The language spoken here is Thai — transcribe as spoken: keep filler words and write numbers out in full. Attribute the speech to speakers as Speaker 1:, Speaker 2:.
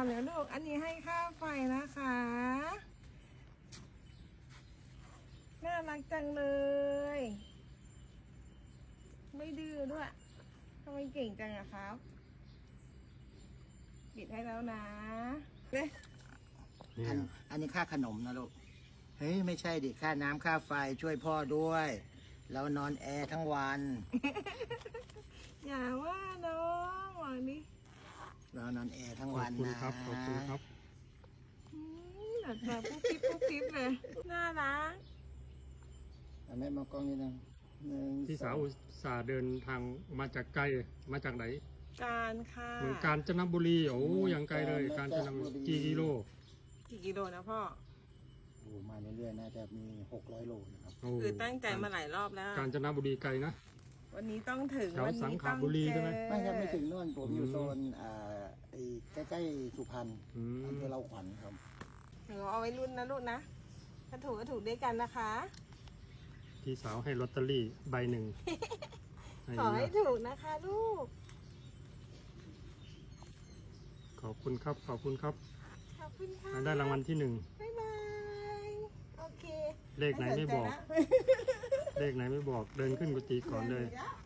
Speaker 1: อนแล้วลูกอันนี้ให้ค่าไฟนะคะน่ารักจังเลยไม่ดื้อด้วยทำไมเก่งจังอะครับปิดให้แล้วนะเน่ย
Speaker 2: อันอันนี้ค่าขนมนะลูก เฮ้ยไม่ใช่ดิค่าน้ำค่าไฟช่วยพ่อด้วยเรานอนแอร์ทั้งวัน
Speaker 1: อย่าว่าน้องหวังดิ
Speaker 2: เรานอนแอร์ทั้ง
Speaker 3: ขอ
Speaker 2: วั
Speaker 3: บ
Speaker 2: น
Speaker 3: คุณ
Speaker 2: นะครับ
Speaker 3: ขอบคุณครับ
Speaker 1: อืมหลับตาปุ๊บปิ๊บปุ๊บปิ๊บเลยน่ารัก
Speaker 2: แม่มากล้องนี้นะหนึ่ง
Speaker 3: พี่สาว
Speaker 2: อง
Speaker 3: อุตส่าห์เดินทางมาจากไกลมาจากไหน
Speaker 1: การค่ะ
Speaker 3: เมืองกาญจนบุรีโอ้ยังไกลเลยกาญจนบุรีกี่กิโล
Speaker 1: กี่กิโลนะพ่อ
Speaker 2: โอ้มาเรื่อยๆน่าจะมีหกร้อยโลนะครับ
Speaker 3: โอ้
Speaker 1: คือตั้งใจมาหลายรอบแล้ว
Speaker 3: กาญจนบุรีไกลนะ
Speaker 1: วันนี้ต้องถึง
Speaker 3: แถว
Speaker 1: วัน
Speaker 3: สัง
Speaker 1: นี้
Speaker 3: ข
Speaker 1: ต้อง
Speaker 3: บุรี
Speaker 1: เจ
Speaker 3: ใช่ไหม
Speaker 1: อ
Speaker 2: ไม่ครับไม่ถึงนู่นผมอยู่
Speaker 3: อืม
Speaker 2: โซนอ่าไอ้ใกล้ๆสุพรรณ
Speaker 3: อืม
Speaker 2: อำเภอเราขวัญครับ
Speaker 1: เดี๋ยวเอาไว้รุ่นนะลูกนะถ้าถูกก็ถูกด้วยกันนะคะ
Speaker 3: พี่สาวให้ลอตเตอรี่ใบหนึ่ง
Speaker 1: ขอให้ถูกนะคะลูก
Speaker 3: ขอบคุณครับขอบคุณครับ
Speaker 1: ขอบคุณค่ะ
Speaker 3: ได้รางวัลที่หนึ่ง
Speaker 1: บ๊ายบายโอเค
Speaker 3: เลขไหนไม่บอก
Speaker 1: สนใจนะ
Speaker 3: เลขไหนไม่บอกเดินขึ้นกุฏิก่อนเลย
Speaker 1: ดี๋ว